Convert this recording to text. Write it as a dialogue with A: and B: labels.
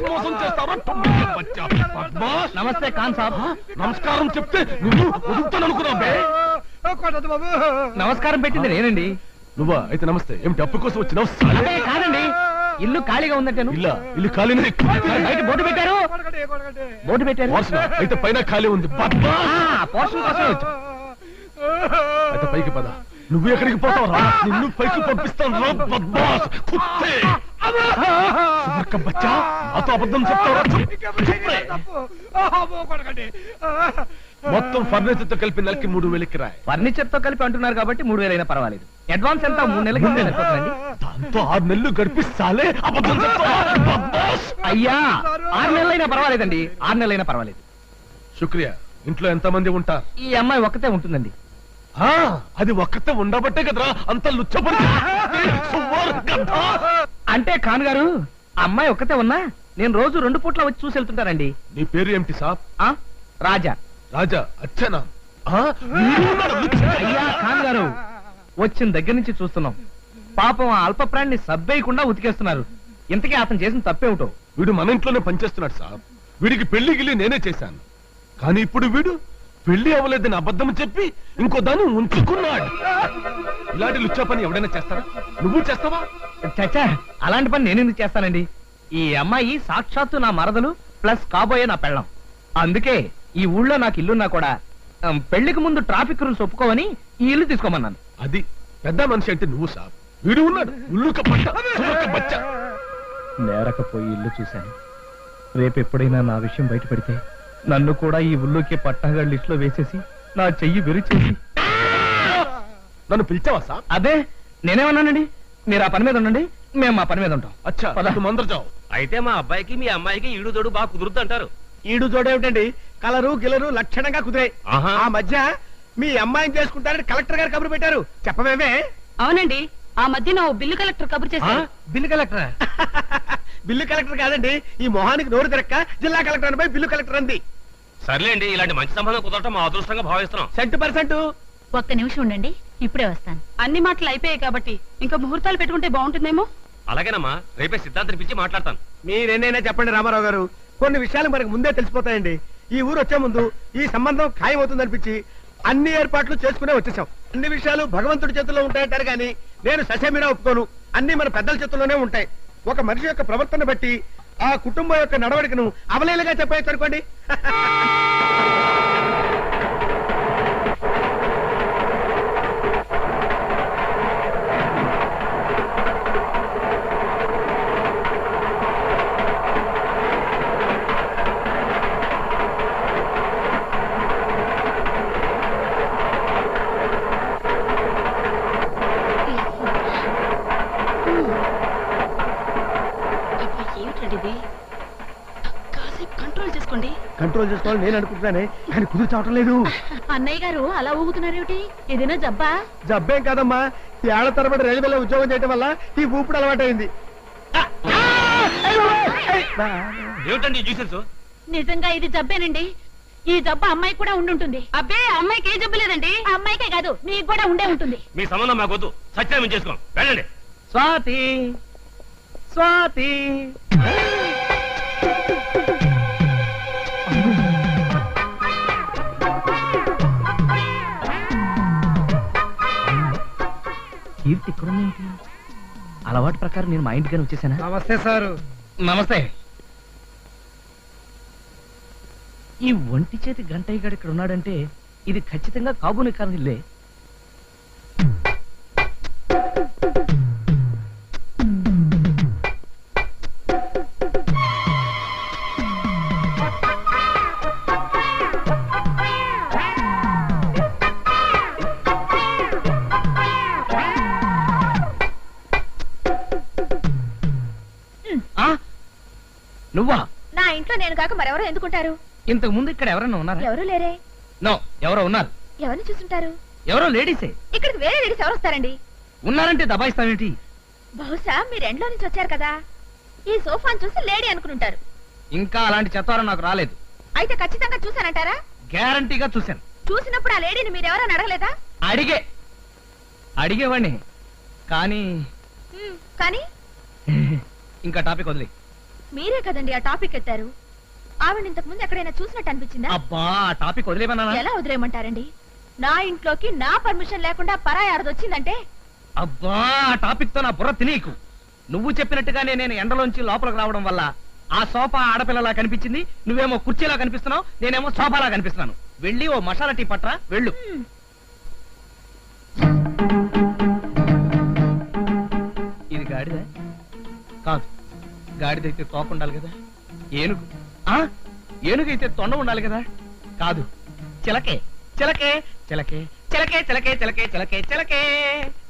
A: మోసం చేస్తావా?
B: నమస్తే ఖాన్ సాబ్.
A: నమస్కారం చెప్తే నువ్వు వదులుతాననుకున్నావే.
B: నమస్కారం పెట్టింది నేనండి.
A: నువ్వా? అయితే నమస్తే. ఏమిటి అప్పు కోసం వచ్చినావు?
B: కాదండి, ఇల్లు ఖాళీగా ఉందంటాను.
A: ఇల్లు ఖాళీనే.
B: బయట బోర్డు పెట్టారు.
A: అయితే పైన ఖాళీ ఉంది.
B: పోషణ కోసం వచ్చు.
A: అయితే పైకి పద. నువ్వు ఎక్కడికి పోతావు? నిన్ను పైకి పంపిస్తాను. బచ్చా నాతో అబద్ధం చెప్తావా? మొత్తం ఫర్నిచర్ తో కలిపి నెలకి 3000 కిరాయి.
B: ఫర్నిచర్ తో కలిపి అంటున్నారు కాబట్టి 3000 అయినా పర్వాలేదు. అడ్వాన్స్ ఎంత? 3 నెలలకి
A: దాంతో 6 నెలలు గడిపిస్తాలే. అబద్ధం చెప్తావా?
B: అయ్యా 6 నెలలైనా పర్వాలేదండి. 6 నెలలైనా పర్వాలేదు.
A: శుక్రియా. ఇంట్లో ఎంత మంది ఉంటారు?
B: ఈ అమ్మాయి ఒక్కతే ఉంటుందండి.
A: అది ఒక్కతే ఉండబట్టే కదరా అంత లుచ్చపడి.
B: అంటే ఖాన్ గారు, అమ్మాయి ఒక్కతే ఉన్నా నేను రోజు 2 పూట్ల వచ్చి చూసి వెళ్తుంటానండి.
A: నీ పేరు ఏమిటి సాబ్?
B: రాజా.
A: రాజా అచ్చనా?
B: అయ్యా ఖాన్ గారు, వచ్చిన దగ్గర నుంచి చూస్తున్నాం. పాపం ఆ అల్ప ప్రాణిని సబ్బేయకుండా ఉతికేస్తున్నారు. ఇంతకీ అతను చేసిన తప్పేమిటో?
A: వీడు మన ఇంట్లోనే పనిచేస్తున్నాడు సాబ్. వీడికి పెళ్లి గిల్లి నేనే చేశాను. కానీ ఇప్పుడు వీడు పెళ్లి అవ్వలేదని అబద్ధం చెప్పి ఇంకో దాన్ని ఉంచుకున్నాడు. ఇలాంటి లుచ్చా పని ఎవడైనా చేస్తారా? నువ్వు చేస్తావా?
B: చచ్చా, అలాంటి పని నేను ఎందుకు చేస్తానండి? ఈ అమ్మాయి సాక్షాత్తు నా మరదలు ప్లస్ కాబోయే నా పెళ్ళం. అందుకే ఈ ఊళ్ళో నాకు ఇల్లున్నా కూడా పెళ్లికి ముందు ట్రాఫిక్ రూల్స్ ఒప్పుకోవని ఈ ఇల్లు తీసుకోమన్నాను.
A: అది పెద్ద మనిషి అంటే నువ్వు సాబ్. వీడు ఉన్నాడు బచ్చ.
B: నేరకపోయి ఇల్లు చూశాను. రేపు ఎప్పుడైనా నా విషయం బయటపడితే నన్ను కూడా ఈ ఊళ్ళోకి పట్టాగా లిస్ట్ లో వేసేసి నా చెయ్యి విరిచేసి.
A: నన్ను పిలిచావా సాబ్?
B: అదే నేనేమన్నానండి. మీరు ఆ పని మీద ఉండండి, మేము మా పని మీద ఉంటాం.
A: అచ్చా మందరు చావు.
C: అయితే మా అబ్బాయికి మీ అమ్మాయికి ఈడు జోడు బాగా కుదురుద్ది అంటారు.
D: ఈడు జోడేమిటండి? కలరు గిలరు లక్షణంగా కుదిరాయి. ఆ మధ్య మీ అమ్మాయిని చేసుకుంటారని కలెక్టర్ గారు కబురు పెట్టారు. చెప్పవేమే?
E: అవునండి, ఆ మధ్యన బిల్లు కలెక్టర్ కబురు చేశారు.
B: Bill collector?
D: బిల్లు కలెక్టర్ కాదండి, ఈ మొహానికి నోరు తిరక్క జిల్లా కలెక్టర్ అనిపై బిల్లు కలెక్టర్ అంది.
C: సర్లేండి, ఇలాంటి మంచి సంబంధం కుదరటం మా అదృష్టంగా భావిస్తున్నాం.
D: 100%.
E: ఒక్క నిమిషం ఉండండి, ఇప్పుడే వస్తాను. అన్ని మాటలు అయిపోయాయి కాబట్టి ఇంకా ముహూర్తాలు పెట్టుకుంటే బాగుంటుందేమో.
C: అలాగేనమ్మా, రేపే సిద్ధాంతం పిలిచి మాట్లాడతాను.
D: మీరేనైనా చెప్పండి రామారావు గారు, కొన్ని విషయాలు మనకు ముందే తెలిసిపోతాయండి. ఈ ఊరు వచ్చే ముందు ఈ సంబంధం ఖాయమవుతుందనిపించి అన్ని ఏర్పాట్లు చేసుకునే వచ్చేసాం. అన్ని విషయాలు భగవంతుడి చేతుల్లో ఉంటాయంటారు కానీ నేను ససేమిరా ఒప్పుకోను. అన్ని మన పెద్దల చేతుల్లోనే ఉంటాయి. ఒక మనిషి యొక్క ప్రవర్తన బట్టి ఆ కుటుంబం యొక్క నడవడికను అవలేలుగా చెప్పేయచ్చు అనుకోండి. కంట్రోల్ చేసుకోవాలి నేను అనుకుంటున్నానే, కానీ కుదురు చావటం లేదు.
E: అన్నయ్య గారు అలా ఊగుతున్నారేమిటి? ఏదైనా జబ్బా?
D: జబ్బేం కాదమ్మా, ఈ ఏళ్ల తరబడి రైల్వేలో ఉద్యోగం చేయడం వల్ల ఈ ఊపిడి అలవాటైంది.
E: నిజంగా ఇది జబ్బేనండి. ఈ జబ్బు అమ్మాయి కూడా ఉండుంటుంది. అబ్బే, అమ్మాయికి ఏ జబ్బు లేదండి. అమ్మాయికే కాదు, మీకు కూడా ఉండే ఉంటుంది.
C: మీ సంబంధం మాకొద్దు, సత్యం చేసుకోం. వెళ్ళండి.
B: స్వాతి, స్వాతి. కీర్తి ఇక్కడ అలవాటు ప్రకారం నేను మా ఇంటికి వచ్చేసానా?
D: నమస్తే సారు.
B: నమస్తే. ఈ ఒంటి చేతి గంటయ్య గారు ఇక్కడ ఉన్నాడంటే ఇది ఖచ్చితంగా కాబూని కాని ఇల్లే. నువ్వా?
E: నా ఇంట్లో నేను కాక మరెవరో ఎందుకుంటారు?
B: ఇంతకు ముందు ఇక్కడ ఎవరైనా ఉన్నారా?
E: ఎవరు లేరే.
B: నో, ఎవరో ఉన్నారు.
E: ఎవరిని చూసుంటారు?
B: ఎవరో లేడీసే.
E: ఇక్కడికి వేరే లేడీస్ ఎవరు వస్తారండి?
B: ఉన్నారంటే దబాయిస్తావేంటి?
E: బహుశా మీరు ఎండ్లో నుంచి వచ్చారు కదా, ఈ సోఫాను చూసి లేడీ అనుకుంటారు.
B: ఇంకా అలాంటి చెత్తారం నాకు రాలేదు.
E: అయితే ఖచ్చితంగా చూసానంటారా?
B: గ్యారంటీగా చూశాను.
E: చూసినప్పుడు ఆ లేడీని మీరెవరని అడగలేదా?
B: అడిగేవాడిని కానీ
E: కానీ
B: ఇంకా టాపిక్ వదిలే.
F: మీరే కదండి ఆ టాపిక్ ఎత్తారు. ఆవిడ ఇంతకు ముందు ఎక్కడైనా చూసినట్టు అనిపించిందా?
B: అబ్బా ఆ టాపిక్ వదిలేమన్నా.
F: ఎలా వదిలేయమంటారండి? నా ఇంట్లోకి నా పర్మిషన్ లేకుండా పరాయి ఆడదొచ్చిందంటే
B: అబ్బా ఆ టాపిక్ తో నా బుర్ర తినేకు. నువ్వు చెప్పినట్టుగానే నేను ఎండలోంచి లోపలికి రావడం వల్ల ఆ సోఫా ఆడపిల్లలా కనిపించింది, నువ్వేమో కుర్చీలా కనిపిస్తున్నావు, నేనేమో సోఫాలా కనిపిస్తున్నాను. వెళ్ళి ఓ మసాలా టీ పట్రా వెళ్ళు. ఇది గాడిద కాదు, గాడిదైతే తోక ఉండాలి కదా. ఏనుగు ఏనుగైతే తొండ ఉండాలి కదా. కాదు, చిలకే చిలకే చిలకే చిలకే చిలకే చిలకే చిలకే చిలకే